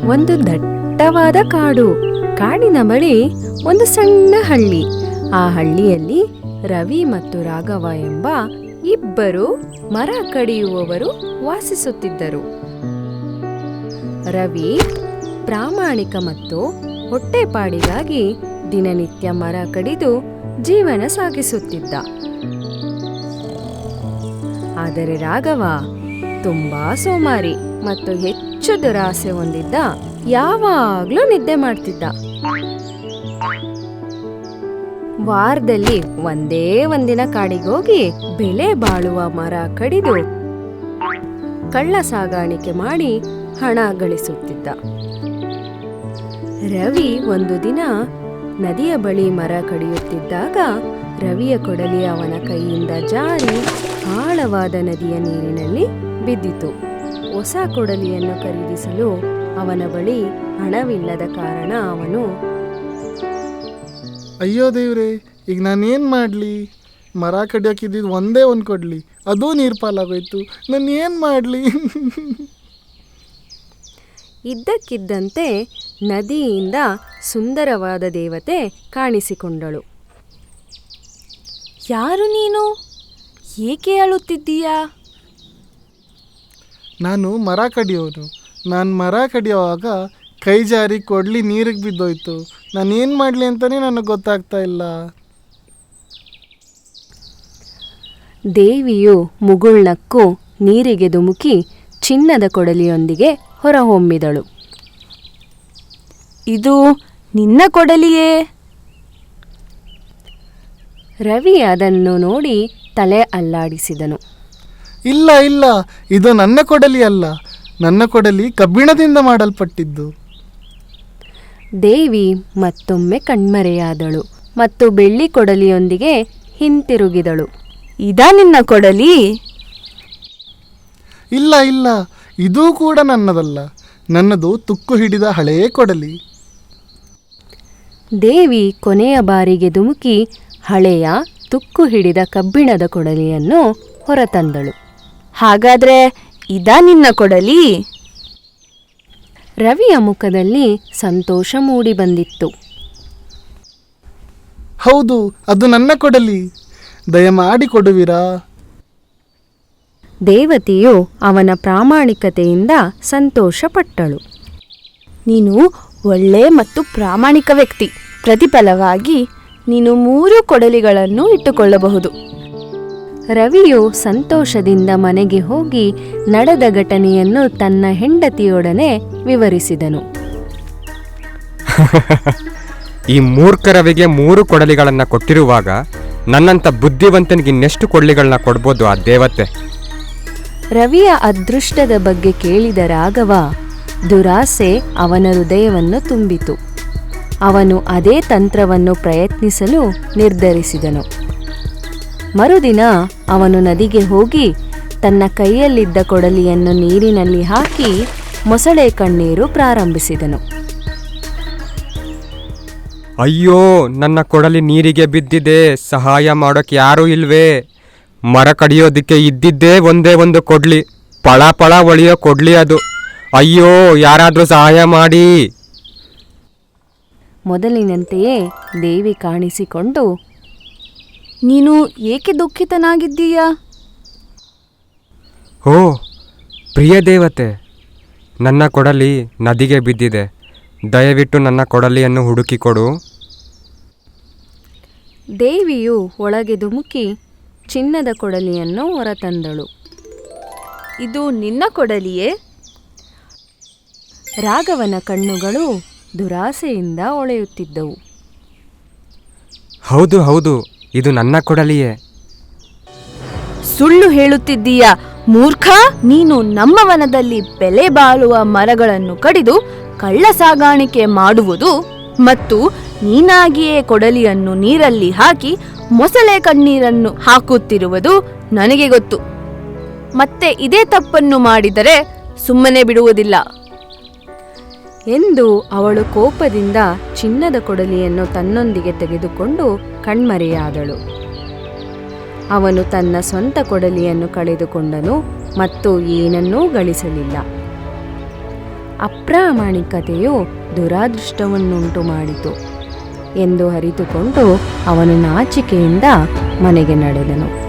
ಒಂದು ದಟ್ಟವಾದ ಕಾಡು. ಕಾಡಿನ ಬಳಿ ಒಂದು ಸಣ್ಣ ಹಳ್ಳಿ. ಆ ಹಳ್ಳಿಯಲ್ಲಿ ರವಿ ಮತ್ತು ರಾಘವ ಎಂಬ ಇಬ್ಬರು ಮರ ಕಡಿಯುವವರು ವಾಸಿಸುತ್ತಿದ್ದರು. ರವಿ ಪ್ರಾಮಾಣಿಕ ಮತ್ತು ಹೊಟ್ಟೆಪಾಡಿಗಾಗಿ ದಿನನಿತ್ಯ ಮರ ಕಡಿದು ಜೀವನ ಸಾಗಿಸುತ್ತಿದ್ದ. ಆದರೆ ರಾಘವ ತುಂಬಾ ಸೋಮಾರಿ ಮತ್ತು ಹೆಚ್ಚು ದುರಾಸೆ ಹೊಂದಿದ್ದ. ಯಾವಾಗ್ಲೂ ನಿದ್ದೆ ಮಾಡ್ತಿದ್ದ. ವಾರದಲ್ಲಿ ಒಂದೇ ಒಂದಿನ ಕಾಡಿಗೋಗಿ ಬೆಲೆ ಬಾಳುವ ಮರ ಕಡಿದು ಕಳ್ಳ ಸಾಗಾಣಿಕೆ ಮಾಡಿ ಹಣ ಗಳಿಸುತ್ತಿದ್ದ. ರವಿ ಒಂದು ದಿನ ನದಿಯ ಬಳಿ ಮರ ಕಡಿಯುತ್ತಿದ್ದಾಗ ರವಿಯ ಕೊಡಲಿ ಅವನ ಕೈಯಿಂದ ಜಾರಿ ಆಳವಾದ ನದಿಯ ನೀರಿನಲ್ಲಿ ಬಿದ್ದಿತು. ಹೊಸ ಕೊಡಲಿಯನ್ನು ಖರೀದಿಸಲು ಅವನ ಬಳಿ ಹಣವಿಲ್ಲದ ಕಾರಣ ಅವನು, ಅಯ್ಯೋ ದೇವ್ರೆ, ಈಗ ನಾನೇನು ಮಾಡಲಿ? ಮರ ಕಡಿಯೋಕಿದ್ದು ಒಂದೇ ಒಂದು ಕೊಡಲಿ, ಅದೂ ನೀರು ಪಾಲಾಗೋಯ್ತು. ನಾನು ಏನು ಮಾಡಲಿ? ಇದ್ದಕ್ಕಿದ್ದಂತೆ ನದಿಯಿಂದ ಸುಂದರವಾದ ದೇವತೆ ಕಾಣಿಸಿಕೊಂಡಳು. ಯಾರು ನೀನು? ಏಕೆ ಅಳುತ್ತಿದ್ದೀಯಾ? ನಾನು ಮರ ಕಡಿಯೋನು. ನಾನು ಮರ ಕಡಿಯೋವಾಗ ಕೈ ಜಾರಿ ಕೊಡಲಿ ನೀರಿಗೆ ಬಿದ್ದೋಯ್ತು. ನಾನೇನು ಮಾಡಲಿ ಅಂತಲೇ ನನಗೆ ಗೊತ್ತಾಗ್ತಾ ಇಲ್ಲ. ದೇವಿಯು ಮುಗುಳ್ನಕ್ಕು ನೀರಿಗೆ ಧುಮುಕಿ ಚಿನ್ನದ ಕೊಡಲಿಯೊಂದಿಗೆ ಹೊರಹೊಮ್ಮಿದಳು. ಇದು ನಿನ್ನ ಕೊಡಲಿಯೇ? ರವಿ ಅದನ್ನು ನೋಡಿ ತಲೆ ಅಲ್ಲಾಡಿಸಿದನು. ಇಲ್ಲ ಇಲ್ಲ, ಇದು ನನ್ನ ಕೊಡಲಿ ಅಲ್ಲ. ನನ್ನ ಕೊಡಲಿ ಕಬ್ಬಿಣದಿಂದ ಮಾಡಲ್ಪಟ್ಟಿದ್ದು. ದೇವಿ ಮತ್ತೊಮ್ಮೆ ಕಣ್ಮರೆಯಾದಳು ಮತ್ತು ಬೆಳ್ಳಿ ಕೊಡಲಿಯೊಂದಿಗೆ ಹಿಂತಿರುಗಿದಳು. ಇದಾ ನಿನ್ನ ಕೊಡಲಿ? ಇಲ್ಲ ಇಲ್ಲ, ಇದೂ ಕೂಡ ನನ್ನದಲ್ಲ. ನನ್ನದು ತುಕ್ಕು ಹಿಡಿದ ಹಳೆಯ ಕೊಡಲಿ. ದೇವಿ ಕೊನೆಯ ಬಾರಿಗೆ ಧುಮುಕಿ ಹಳೆಯ ತುಕ್ಕು ಹಿಡಿದ ಕಬ್ಬಿಣದ ಕೊಡಲಿಯನ್ನು ಹೊರತಂದಳು. ಹಾಗಾದ್ರೆ ಇದಾ ನಿನ್ನ ಕೊಡಲಿ? ರವಿಯ ಮುಖದಲ್ಲಿ ಸಂತೋಷ ಮೂಡಿ ಬಂದಿತ್ತು. ಹೌದು, ಅದು ನನ್ನ ಕೊಡಲಿ. ದಯಮಾಡಿ ಕೊಡುವಿರಾ? ದೇವತೆಯು ಅವನ ಪ್ರಾಮಾಣಿಕತೆಯಿಂದ ಸಂತೋಷಪಟ್ಟಳು. ನೀನು ಒಳ್ಳೆ ಮತ್ತು ಪ್ರಾಮಾಣಿಕ ವ್ಯಕ್ತಿ. ಪ್ರತಿಫಲವಾಗಿ ನೀನು 3 ಕೊಡಲಿಗಳನ್ನು ಇಟ್ಟುಕೊಳ್ಳಬಹುದು. ರವಿಯು ಸಂತೋಷದಿಂದ ಮನೆಗೆ ಹೋಗಿ ನಡೆದ ಘಟನೆಯನ್ನು ತನ್ನ ಹೆಂಡತಿಯೊಡನೆ ವಿವರಿಸಿದನು. ಈ ಮೂರ್ಖ ರವಿಗೆ 3 ಕೊಡಲಿಗಳನ್ನು ಕೊಟ್ಟಿರುವಾಗ ನನ್ನಂಥ ಬುದ್ಧಿವಂತನಿಗೆ ಇನ್ನೆಷ್ಟು ಕೊಡಲಿಗಳನ್ನ ಕೊಡ್ಬೋದು ಆ ದೇವತೆ? ರವಿಯ ಅದೃಷ್ಟದ ಬಗ್ಗೆ ಕೇಳಿದ ರಾಘವ ದುರಾಸೆ ಅವನ ಹೃದಯವನ್ನು ತುಂಬಿತು. ಅವನು ಅದೇ ತಂತ್ರವನ್ನು ಪ್ರಯತ್ನಿಸಲು ನಿರ್ಧರಿಸಿದನು. ಮರುದಿನ ಅವನು ನದಿಗೆ ಹೋಗಿ ತನ್ನ ಕೈಯಲ್ಲಿದ್ದ ಕೊಡಲಿಯನ್ನು ನೀರಿನಲ್ಲಿ ಹಾಕಿ ಮೊಸಳೆ ಕಣ್ಣೀರು ಪ್ರಾರಂಭಿಸಿದನು. ಅಯ್ಯೋ, ನನ್ನ ಕೊಡಲಿ ನೀರಿಗೆ ಬಿದ್ದಿದೆ, ಸಹಾಯ ಮಾಡೋಕ್ಕೆ ಯಾರೂ ಇಲ್ವೇ? ಮರ ಕಡಿಯೋದಕ್ಕೆ ಇದ್ದಿದ್ದೇ ಒಂದೇ ಒಂದು ಕೊಡ್ಲಿ, ಪಳ ಪಳ ಒಳಿಯೋ ಕೊಡ್ಲಿ ಅದು. ಅಯ್ಯೋ, ಯಾರಾದರೂ ಸಹಾಯ ಮಾಡಿ. ಮೊದಲಿನಂತೆಯೇ ದೇವಿ ಕಾಣಿಸಿಕೊಂಡು, ನೀನು ಏಕೆ ದುಃಖಿತನಾಗಿದ್ದೀಯಾ? ಓ ಪ್ರಿಯ ದೇವತೆ, ನನ್ನ ಕೊಡಲಿ ನದಿಗೆ ಬಿದ್ದಿದೆ. ದಯವಿಟ್ಟು ನನ್ನ ಕೊಡಲಿಯನ್ನು ಹುಡುಕಿಕೊಡು. ದೇವಿಯು ಒಳಗೆ ಧುಮುಕಿ ಚಿನ್ನದ ಕೊಡಲಿಯನ್ನು ಹೊರತಂದಳು. ಇದು ನಿನ್ನ ಕೊಡಲಿಯೇ? ರಾಘವನ ಕಣ್ಣುಗಳು ದುರಾಸೆಯಿಂದ ಹೊಳೆಯುತ್ತಿದ್ದವು. ಹೌದು ಹೌದು, ಇದು ನನ್ನ ಕೊಡಲಿಯೇ. ಸುಳ್ಳು ಹೇಳುತ್ತಿದ್ದೀಯಾ ಮೂರ್ಖ! ನೀನು ನಮ್ಮ ವನದಲ್ಲಿ ಬೆಲೆ ಬಾಳುವ ಮರಗಳನ್ನು ಕಡಿದು ಕಳ್ಳ ಸಾಗಾಣಿಕೆ ಮಾಡುವುದು ಮತ್ತು ನೀನಾಗಿಯೇ ಕೊಡಲಿಯನ್ನು ನೀರಲ್ಲಿ ಹಾಕಿ ಮೊಸಳೆ ಕಣ್ಣೀರನ್ನು ಹಾಕುತ್ತಿರುವುದು ನನಗೆ ಗೊತ್ತು. ಮತ್ತೆ ಇದೇ ತಪ್ಪನ್ನು ಮಾಡಿದರೆ ಸುಮ್ಮನೆ ಬಿಡುವುದಿಲ್ಲ ಎಂದು ಅವಳು ಕೋಪದಿಂದ ಚಿನ್ನದ ಕೊಡಲಿಯನ್ನು ತನ್ನೊಂದಿಗೆ ತೆಗೆದುಕೊಂಡು ಕಣ್ಮರೆಯಾದಳು. ಅವನು ತನ್ನ ಸ್ವಂತ ಕೊಡಲಿಯನ್ನು ಕಳೆದುಕೊಂಡನು ಮತ್ತು ಏನನ್ನೂ ಗಳಿಸಲಿಲ್ಲ. ಅಪ್ರಾಮಾಣಿಕತೆಯು ದುರಾದೃಷ್ಟವನ್ನುಂಟು ಮಾಡಿತು ಎಂದು ಅರಿತುಕೊಂಡು ಅವನು ನಾಚಿಕೆಯಿಂದ ಮನೆಗೆ ನಡೆದನು.